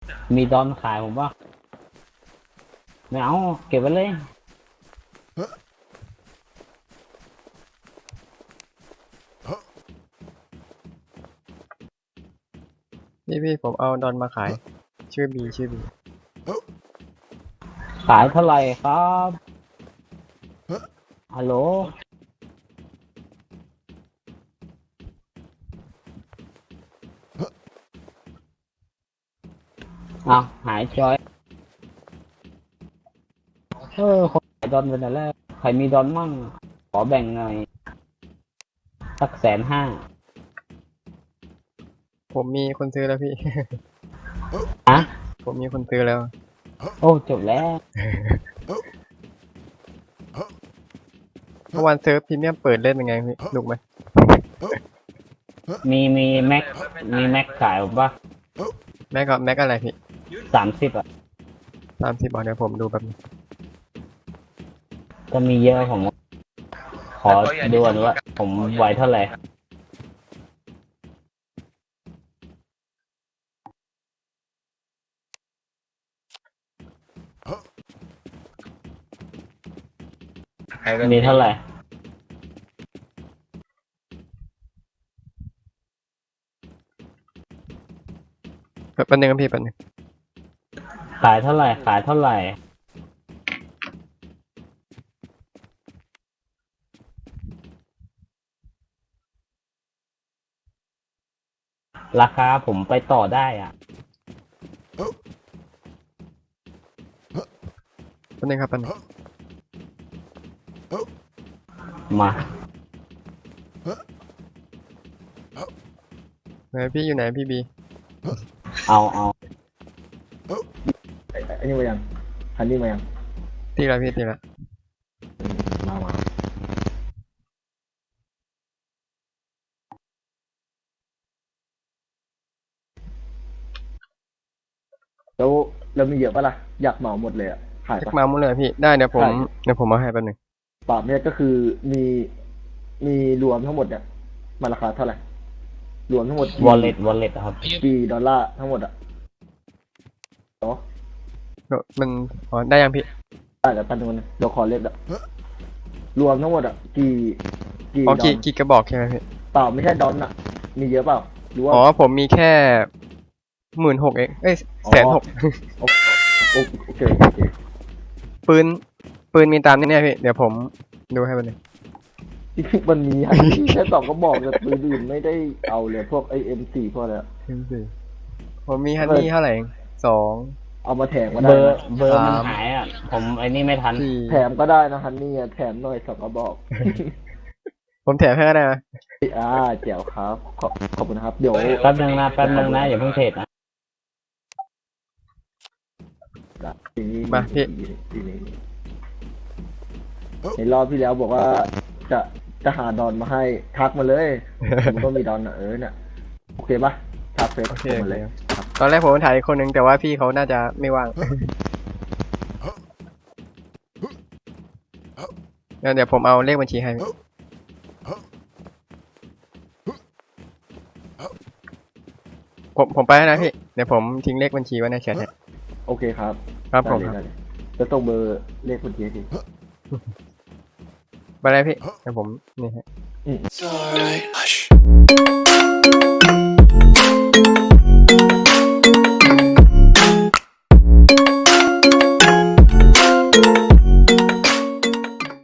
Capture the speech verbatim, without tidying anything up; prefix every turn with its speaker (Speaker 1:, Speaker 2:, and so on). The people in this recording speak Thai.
Speaker 1: มีดอนขายผมว่าไม่เอาเก็บไว้เลย
Speaker 2: พี่พี่ผมเอาดอนมาขายชื่อบีชื่อบี
Speaker 1: ขายเท่าไหร่ครับฮัลโหลอ้าวหายจอยเออคนขายดอนเป็นอะไรใครมีดอนมั่งขอแบ่งหน่อยสักแสนห้า
Speaker 2: ผมมีคนซื้อแล้วพี่
Speaker 1: อะ
Speaker 2: ผมมีคนซื้อแล้ว
Speaker 1: โอ้จบแล้ว
Speaker 2: เมื่อวานเซิร์ฟพรีเมียมเปิดเล่นเป็นไงพี่หนุกไหม
Speaker 1: มีมีแม็กมีแม็กขายผมว่า
Speaker 2: แม็กก็แม็กอะไรพี่
Speaker 1: สามสิบอ่ะ
Speaker 2: ตามที่บอกเดี๋ยวผมดูแบบนี้
Speaker 1: ก็มีเยอะผมขอดูก่อนว่าผมไหวเท่าไหร่มีเท่าไหร่
Speaker 2: แป๊บนึงครับพี่แป๊บนึง
Speaker 1: ขายเท่าไหร่ขายเท่าไหร่ราคาผมไปต่อได้อ่ะ
Speaker 2: แป๊บนึงครับแป๊บนึง
Speaker 1: มา
Speaker 2: ไหนพี่อยู่ไหนพี่บี
Speaker 1: เอาเอา
Speaker 3: อันนี้มายังฮันนี่มายัง
Speaker 2: ตีละพี่ตีละ
Speaker 3: มามาแล้วแล้วมีเยอะปะล่ะอยากเหมาหมดเลยอ่ะขาย
Speaker 2: เช็ค
Speaker 3: ปะ
Speaker 2: มาหมดเลยพี่ได้เดี๋ยวผม
Speaker 3: ใช่
Speaker 2: เดี๋ยวผมเอาให้แป๊บนึง
Speaker 3: ปรับเนี่ยก็คือมีมีรวมทั้งหมดเนี่ยมันราคาเท่าไหร่รวมทั้งหมด
Speaker 1: วอลเล็ตวอลเล็ตครับ
Speaker 3: กี่ดอลลาร์ทั้งหมดอ่ะเนาะ
Speaker 2: เดี๋ยวมันอ๋อได้ยังพี่
Speaker 3: ได้แต่ปันนึงเดี๋ยวขอเลขอ่ะรวมทั้งหมดอ่ะกี่กี่
Speaker 2: อ๋อ
Speaker 3: ดอ
Speaker 2: กี่
Speaker 3: ล
Speaker 2: กี่กระบอกใช่ไหมพี่
Speaker 3: เปล่าไม่ใช่ดอลอ่ะมีเยอะเปล่าหรือว่า
Speaker 2: อ๋อผมมีแค่หมื่นหกเองเอ้ยแสนหก
Speaker 3: โอโอโอเคโอเค
Speaker 2: ปืนปืนมีตามนี่เนี่ยพี่เดี๋ยวผมดูให้แป๊บนึง
Speaker 3: จริงๆมันมีฮันนี่แค่สองก็บอกแต่ปืนอื่นไม่ได้เอาเลยพวกไอเอ็มสี่พวกอะไรอะ
Speaker 2: ผมมีฮันนี่เท่าไหร่เองสอง
Speaker 3: เอามาแถมก็
Speaker 1: เบ
Speaker 3: ได้
Speaker 1: อร์
Speaker 3: นะ
Speaker 1: เบอร์มัน
Speaker 2: สาม
Speaker 1: หายอ่ะผมไอ้นี่ไม่ทัน
Speaker 2: สี่
Speaker 3: แถมก็ได้นะฮันนี่อะแถมหน่อยสองก็บอก
Speaker 2: ผมแถมให้ก็ได้ไหม
Speaker 3: อ่าเจ๋วครับขอบขอบคุณครับเดี๋ยว
Speaker 1: แป๊บนึงนะแป๊บนึงนะอย่าเพิ่งเทรดนะ
Speaker 3: ทีนี้
Speaker 2: มาพี่
Speaker 3: ทีนี้ในรอบที่แล้วบอกว่าจะจะหาดอนมาให้ทักมาเลยมันก็มีดอนอะเออเนี่ยโอเคปะทักเฟซ
Speaker 2: โอเค
Speaker 3: มาเลยครับ
Speaker 2: ตอนแรกผมถ่ายอีกคนนึงแต่ว่าพี่เขาน่าจะไม่ว่างงั้นเดี๋ยวผมเอาเลขบัญชีให้พี่ผมผมไปแล้วนะพี่เดี๋ยวผมทิ้งเลขบัญชีไว้ในแชทให้
Speaker 3: โอเคครับ
Speaker 2: ครับผม
Speaker 3: ได้เลยได้เลยจะต้องเบอร์เลขบัญชีให้ที
Speaker 2: ไปเลยพี่เดี๋ยวผมนี่ฮะ
Speaker 3: อืม
Speaker 4: Hush.